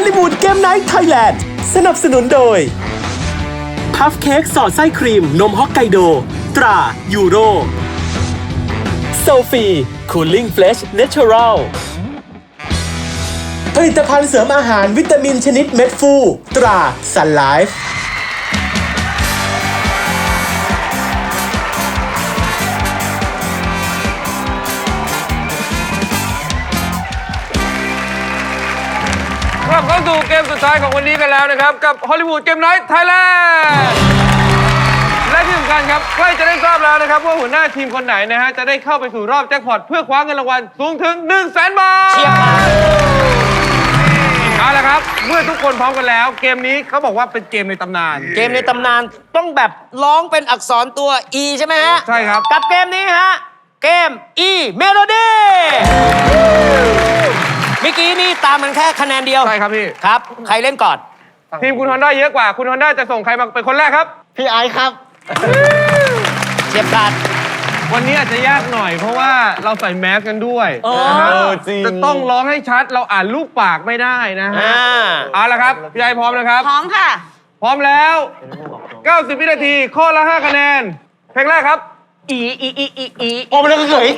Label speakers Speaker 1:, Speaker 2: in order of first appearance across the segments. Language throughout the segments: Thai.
Speaker 1: ลิวูดเกมไนท์ไทยแลนด์สนับสนุนโดยพัฟเค้กสอดไส้ครีมนมฮอกไกโดตรายูโรโซฟีคูลิ่งเฟลชเนเชอรัลผลิตภัณฑ์เสริมอาหารวิตามินชนิดเม็ดฟูตราซันไลฟ์
Speaker 2: กลับเข้าสู่เกมสุดท้ายของวันนี้กันแล้วนะครับกับฮอลลีวูดเกมไนท์ไทยแลนด์และที่สำคัญครับใกล้จะได้ทราบแล้วนะครับว่าหัวหน้าทีมคนไหนนะฮะจะได้เข้าไปสู่รอบแจ็คพอตเพื่อคว้าเงินรางวัลสูงถึง 100,000 บาทเอาละครับเมื่อทุกคนพร้อมกันแล้วเกมนี้เขาบอกว่าเป็นเกมในตำนาน
Speaker 3: เกมในตำนานต้องแบบร้องเป็นอักษรตัว E ใช่ไหมฮะ
Speaker 2: ใช่ครับ
Speaker 3: กับเกมนี้ฮะเกม E Melody เมื่อกี้นี่ตามมันแค่คะแนนเดียว
Speaker 2: ใช่ครับพี่
Speaker 3: ครับใครเล่นก่อน
Speaker 2: ทีมคุณฮอนด้าเยอะกว่าคุณฮอนด้าจะส่งใครมาเป็นคนแรกครับ
Speaker 4: พี่ไอซ์ครับ
Speaker 3: เฉียบขาด
Speaker 2: วันนี้อาจจะยากหน่อยเพราะว่าเราใส่แมสกันด้วยนะฮะจะต้องร้องให้ชัดเราอ่านรูปปากไม่ได้นะฮะเอาละครับพี่ไอพร้อมนะครับ
Speaker 5: พร้อมค่ะ
Speaker 2: พร้อมแล้ว90 วินาทีข้อละ5 คะแนนเพลงแรกครับ
Speaker 5: อี
Speaker 4: โอ้มันเลยเฉย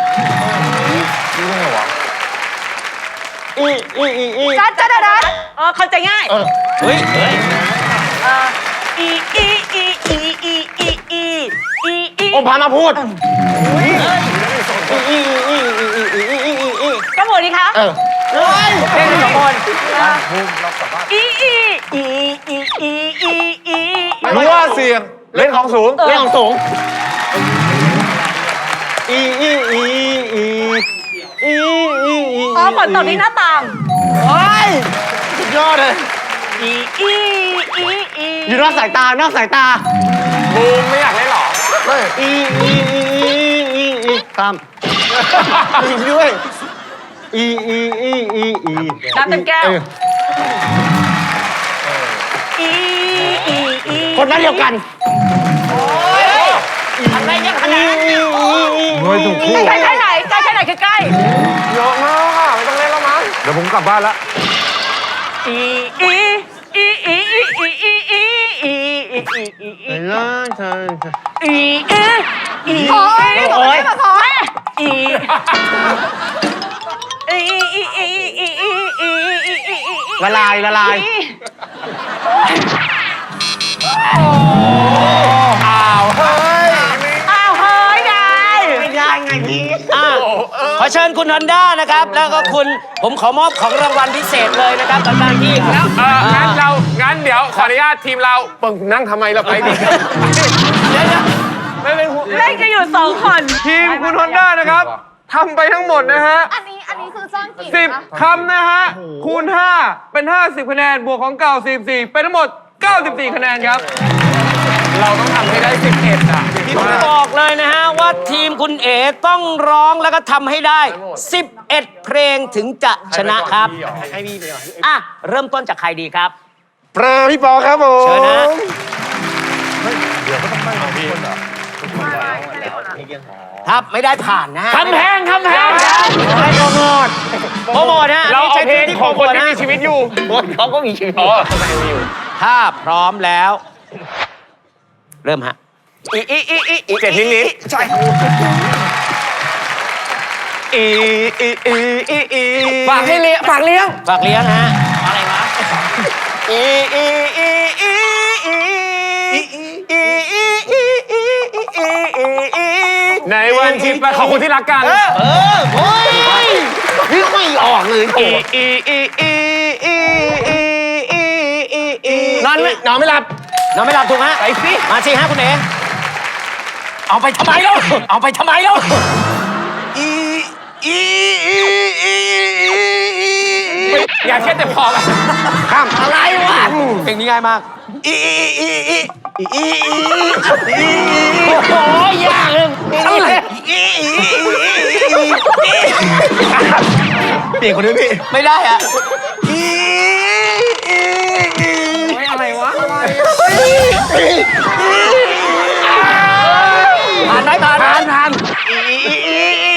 Speaker 5: จัดเข้าใจง่าย
Speaker 3: เฮ้ย
Speaker 4: โอ้พามาพูด
Speaker 5: ก็หมดดิคะ
Speaker 3: เพลงสองคน
Speaker 2: รู้ว่าเสียงเล่นของสูง
Speaker 4: เล่นของสูง
Speaker 5: อ๋อฝนตกที่หน้าต่าง
Speaker 4: โอ้ยสุดยอดเลยอยู่นอกสายตานอกสายตา
Speaker 2: บูมไม่อยากเล่นหรอ
Speaker 4: ตามด้วย
Speaker 5: น้ำเต็มแก้ว
Speaker 4: คนนั้นเดียวกัน
Speaker 5: อะไรยังขนาดนั้น
Speaker 2: ไม่ถูกคู่
Speaker 5: ใกล้ไหนใกล้ไหนคือใกล้
Speaker 2: เยอะมากค่ะไม่ต้องเล่นแล้วมั้งเดี๋ยวผมกลับบ้านละ
Speaker 5: โอ้ย
Speaker 4: ละลายไงพี่
Speaker 3: ขอเชิญคุณฮอนด้านะครับแล้วก็คุณผมขอมอบของรางวัลพิเศษเลยนะครับกับการที่
Speaker 2: แล้วงั้นเดี๋ยวขออนุญาตทีมเราปึ้งนั่งทำไมเราไปดิไม่เป็น
Speaker 5: เล่นกันอยู่2 คน
Speaker 2: ทีมคุณฮอนด้านะครับทำไปทั้งหมดนะฮะ
Speaker 5: อันนี้คือซ่อนกี่
Speaker 2: 10 คำนะฮะคูณ5เป็น50 คะแนนบวกของเก่า44เป็นทั้งหมด94 คะแนนครับเราต้องทำให้ได้11อ่ะ
Speaker 3: ผมบอกเลยนะฮะว่าทีมคุณเอ๋ต้องร้องแล้วก็ทำให้ได้11เพลงถึงจะชนะครับอ่ะเริ่มต้นจากใครดีครับ
Speaker 4: พี่ปอครับผม
Speaker 3: เชิญนะถ้าไม่ได้ผ่านนะฮะ
Speaker 4: คำแพงให้โปรโมท
Speaker 3: ฮะ
Speaker 2: เราเอาเพลงของคนที่มีชีวิตอยู่
Speaker 4: เขาก็มีชีวิต
Speaker 3: ถ้าพร้อมแล้วเริ่มฮะ
Speaker 2: 7 นิดใช่ฝากให้เลี้ยงฝากเลี้ยง
Speaker 3: ฮะอะไรวะ
Speaker 2: ในวันที่ขอบคุณที่รักกัน
Speaker 4: โอ้ยนี่ไม่ออกเลยนอนไม่หลับ
Speaker 3: ถูกฮะ
Speaker 2: ไปสิ
Speaker 3: มาสิฮะคุณเอ๋เอาไปทำไมแล้ว
Speaker 2: อย่าแค่แต่พอละ
Speaker 4: ข้ามอะไรวะ
Speaker 3: เพลงนี้ง่ายมาก
Speaker 4: โอ้ยยากเลยอะไรเปลี่ยนคนนี้พี่
Speaker 3: ไม่ได้อะ
Speaker 2: อะไรวะ
Speaker 3: ผ่านไหมผ่าน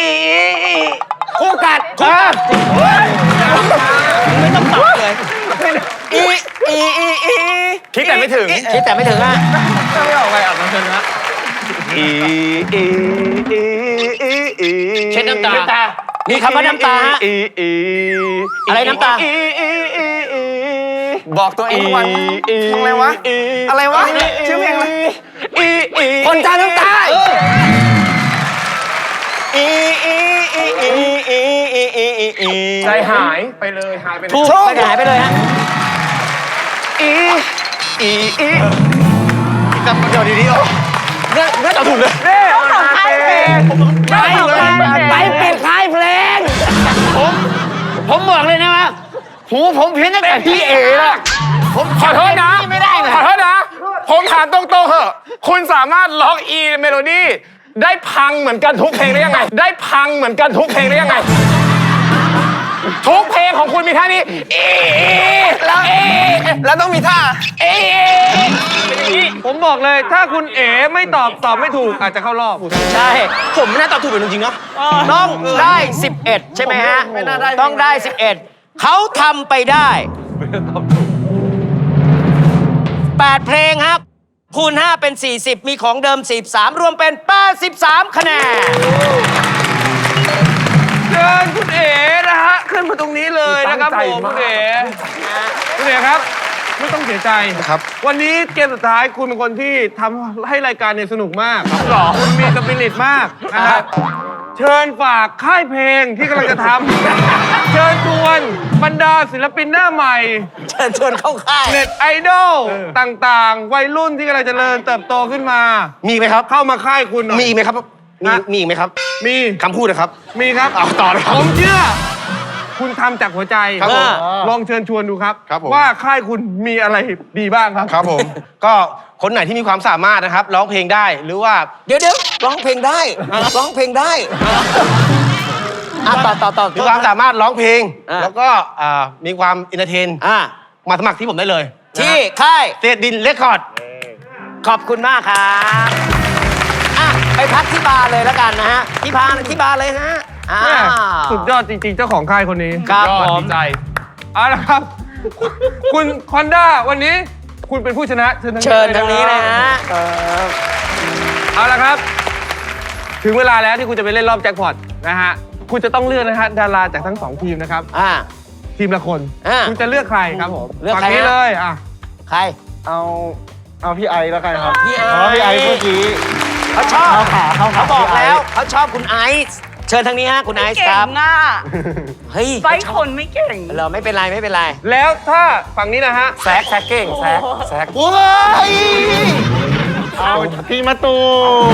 Speaker 4: คู่กัด
Speaker 3: ไม่ต้องตอบเลย
Speaker 4: ถึง
Speaker 3: คิดแต่ไม่ถึงอ่ะ
Speaker 2: ถ้าไม่ออกไปอ่ะมันชนะ
Speaker 3: เช็ดน้ำตา มีคำว่าน้ำตาฮะ อะไรน้ำตา
Speaker 4: บอกตัวเองทุกวันทำอะไรวะ อะไรวะ ชื่อเพลงอะไรคนจาน้ำตาใจหายไปเลยหายไปเลย
Speaker 3: ถูกไปหายไปเลยฮะ
Speaker 4: จำประโยชน์ดีๆไม่ตอบถูกเลย
Speaker 5: เจ้าของค่ายเพลงเจ้าของค่ายเพลง
Speaker 3: ไปเป็นค่ายเพลง ผมบอกเลยนะว่า
Speaker 4: หูผมเพี้ยนตั้งแต่พี่เอ๋ละผมขอโทษนะไม่ได้เลยขอโทษนะ ผมถามตรงๆเหอะคุณสามารถล็อกอีเมโลดี้ได้พังเหมือนกันทุกเพลงได้ยังไง ได้พังเหมือนกันทุกเพลงได้ยังไง ทุกเพลงของคุณมีท่านี้แล้วต้องมีท่า
Speaker 2: ผมบอกเลยถ้าคุณเอ๋ไม่ตอบไม่ถูกอาจจะเข้ารอบ
Speaker 3: ใช่
Speaker 4: ผมไม่น่าตอบถูกเป็นจริงๆเนาะ
Speaker 3: ต้องได้ 11 ใช่ไหมฮะ
Speaker 4: ไม่น่าได้
Speaker 3: ต้องได้ 11 เขาทำไปได้ 8 เพลงครับ คูณ 5 เป็น 40 มีของเดิม 43 รวมเป็น 83 คะแนน
Speaker 2: เชิญคุณเอ๋นะฮะขึ้นมาตรงนี้เลยนะครับผมคุณเอ๋ครับไม่ต้องเสียใจครับวันนี้เกมสุดท้ายคุณเป็นคนที่ทำให้รายการเนี่ยสนุกมากหรอคุณมีสปิริตมากนะครับเชิญฝากค่ายเพลงที่กำลังจะทำเชิญชวนบรรดาศิลปินหน้าใหม่
Speaker 3: เชิญชวนเข้าค่าย
Speaker 2: เน็ตไอดอลต่างๆ วัยรุ่นที่กำลังเจริญเติบโตขึ้นมา
Speaker 4: มีไหมครับ
Speaker 2: เข้ามาค่ายคุณหน่อย
Speaker 4: มีไหมครับมีไหมครับ
Speaker 2: มี
Speaker 4: คำพูดนะครับ
Speaker 2: มีครับ
Speaker 4: เอาต่อเลยครับ
Speaker 2: ผมเชื่อ คุณทำจากหัวใจ
Speaker 4: ครับผม
Speaker 2: ลองเชิญชวนดูครับ
Speaker 4: ครับผม
Speaker 2: ว่าค่ายคุณมีอะไรดีบ้างครับ
Speaker 4: ครับผม ก็คนไหนที่มีความสามารถนะครับร้องเพลงได้หรือว่า
Speaker 3: เดี๋ยวร้องเพลงได้ ร้องเพลงได้อ่ะต่อ
Speaker 4: มีความสามารถร้องเพลง
Speaker 3: อ่ะ
Speaker 4: แล้วก็มีความอินเตอร์เทน
Speaker 3: อ่ะ
Speaker 4: มาสมัครที่ผมได้เลย
Speaker 3: ที่ค่าย
Speaker 4: เศษดินเรคคอร์ด
Speaker 3: ขอบคุณมากครับอ่ะไปพักที่บาร์เลยแล้วกันนะฮะ ที่บาร์เลยฮะอ้า
Speaker 2: แม่
Speaker 3: ว
Speaker 2: สุดยอดจริงๆ เจ้าของค่ายคนนี้
Speaker 3: ครับ
Speaker 2: ยอด
Speaker 3: ผม
Speaker 2: ดีใจเอาละครับ คุณคอนด้าวันนี้คุณเป็นผู้ชนะเชิญ
Speaker 3: เชิญทางนี้เลยฮะ
Speaker 2: เอาละครับ ถึงเวลาแล้วที่คุณจะไปเล่นรอบแจ็คพอตนะฮะคุณจะต้องเลือกนะฮะดาราจากทั้งสองทีมนะครับ
Speaker 3: อ่า
Speaker 2: ทีมละคน
Speaker 3: อ่ะ
Speaker 2: คุณจะเลือกใครครับผม
Speaker 3: เลือกใคร
Speaker 2: ฝั่งนี้
Speaker 3: ฮะ
Speaker 2: เลยอ่ะ
Speaker 3: ใคร
Speaker 6: เอาพี่ไอแล้วกันครับ
Speaker 3: พี่ไอ
Speaker 6: พี่ไอเมื่อกี้
Speaker 3: เขาชอบ
Speaker 6: เข้าขา
Speaker 3: เขาบอกแล้วเขาชอบคุณไอซ์เชิญทางนี้ฮะคุณไอซ์
Speaker 5: เก่
Speaker 3: ครับ
Speaker 5: งอ่ะ
Speaker 3: เฮ้ย
Speaker 5: ไฟคนไม่เก่ง
Speaker 3: เราไม่เป็นไรไม่เป็นไร
Speaker 2: แล้วถ้าฝั่งนี้นะฮะ
Speaker 3: แซกเก่งแซก
Speaker 4: โอ้ย
Speaker 6: เอาพี่มาตูม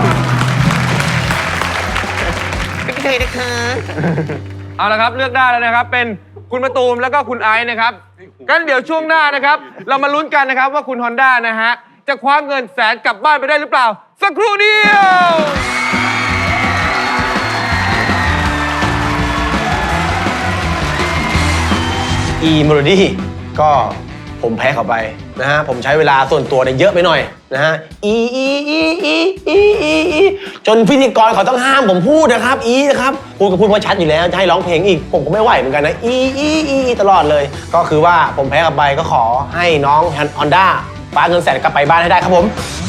Speaker 2: เอาละครับเลือกได้แล้วนะครับ เป็นคุณมะตูมแล้วก็คุณไอซ์นะครับกันเดี๋ยวช่วงหน้านะครับ เรามาลุ้นกันนะครับว่าคุณฮอนด้านะฮะจะคว้าเงินแสนกลับบ้านไปได้หรือเปล่า สักครู่เดียว
Speaker 4: อีเมโลดี้ก็ผมแพ้เขาไปนะฮะผมใช้เวลาส่วนตัวเนี่ยเยอะไปหน่อยนะฮะจนพิธีกรเขาต้องห้ามผมพูดนะครับนะครับพูดก็พูดว่าชัดอยู่แล้วจะให้ร้องเพลงอีกผมก็ไม่ไหวเหมือนกันนะตลอดเลย ก็คือว่าผมแพ้เขาไปก็ขอให้น้องฮอนด้าคว้าเงินแสนกลับไปบ้านให้ได้ครับผม